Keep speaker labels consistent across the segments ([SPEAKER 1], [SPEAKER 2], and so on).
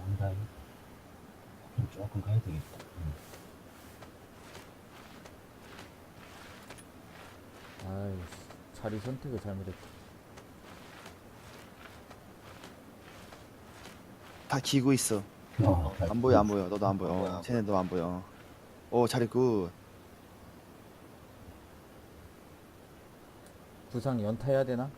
[SPEAKER 1] 간다. 그럼 조금 가야 되겠다.
[SPEAKER 2] 아이, 자리 선택을 잘못했다.
[SPEAKER 3] 다 기고 있어. 안 보여 안 보여. 너도 안 보여.
[SPEAKER 4] 뭐야.
[SPEAKER 3] 쟤네도 안 보여. 오 자리 굿.
[SPEAKER 2] 부상 연타해야 되나?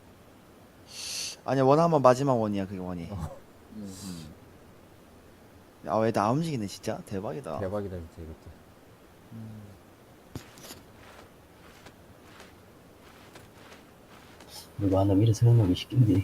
[SPEAKER 3] 아니야 원 한번 마지막 원이야 그게 원이.
[SPEAKER 4] 음.
[SPEAKER 3] 아왜 나 움직이네 진짜 대박이다.
[SPEAKER 2] 대박이다 진짜 이것도.
[SPEAKER 1] 누가 하나 미리 세워놓기 쉽겠니?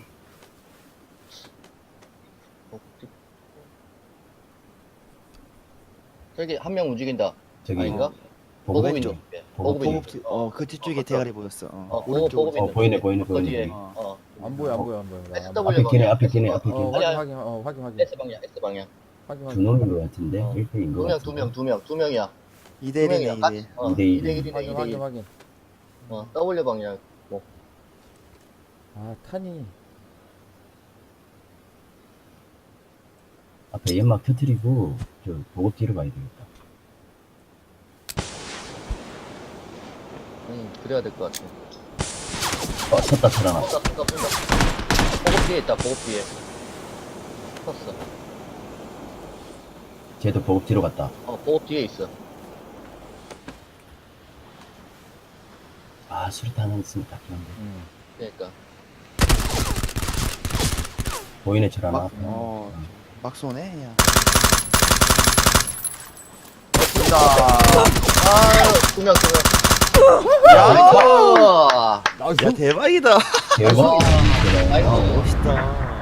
[SPEAKER 4] 저기 한 명 움직인다.
[SPEAKER 1] 저기
[SPEAKER 4] 아닌가?
[SPEAKER 1] 보급
[SPEAKER 4] 보급
[SPEAKER 3] 왼쪽.
[SPEAKER 4] 있는 데.
[SPEAKER 1] 보급
[SPEAKER 4] 보급 있는
[SPEAKER 3] 보급 어그 뒤쪽에 대가리 보였어.
[SPEAKER 4] 보급
[SPEAKER 3] 오른쪽.
[SPEAKER 4] 있는
[SPEAKER 1] 보이네
[SPEAKER 4] 데.
[SPEAKER 1] 보이네
[SPEAKER 4] 그
[SPEAKER 1] 보이네.
[SPEAKER 4] 뒤에.
[SPEAKER 3] 어.
[SPEAKER 2] 안 보여 안 보여 안 보여. 나 안
[SPEAKER 4] SW
[SPEAKER 2] 보여.
[SPEAKER 1] 앞에 끼네 앞에 끼네
[SPEAKER 4] 방향.
[SPEAKER 1] 앞에
[SPEAKER 2] 어
[SPEAKER 1] 끼네.
[SPEAKER 2] 확인.
[SPEAKER 4] S 방향. S 방향.
[SPEAKER 2] 확인.
[SPEAKER 1] 두 놈인 것 같은데
[SPEAKER 4] 어.
[SPEAKER 1] 1패인 것 같은데.
[SPEAKER 4] 두 명이야.
[SPEAKER 3] 2대1이네 2대1.
[SPEAKER 1] 2대1.
[SPEAKER 4] 2대1이네
[SPEAKER 2] 확인
[SPEAKER 4] 2대1.
[SPEAKER 2] 확인.
[SPEAKER 4] W 방향. 뭐.
[SPEAKER 2] 아 탄이.
[SPEAKER 1] 앞에 연막 터뜨리고 저 보급 뒤로 가야 되겠다.
[SPEAKER 4] 그래야 될 것 같아.
[SPEAKER 1] 섰다 살아났다.
[SPEAKER 4] 쏜다. 보급 뒤에 있다. 보급 뒤에. 섰어.
[SPEAKER 1] 쟤도 보급 뒤로 갔다.
[SPEAKER 4] 보급 뒤에 있어.
[SPEAKER 1] 아 수류탄 하나 있으면 딱 좋은데.
[SPEAKER 4] 그러니까.
[SPEAKER 1] 보이네 저 하나.
[SPEAKER 3] 막 쏘네 야.
[SPEAKER 4] 두 명.
[SPEAKER 3] 야,
[SPEAKER 2] 나이스.
[SPEAKER 3] 야 대박이다.
[SPEAKER 1] 대박.
[SPEAKER 4] 나이스.
[SPEAKER 3] 멋있다.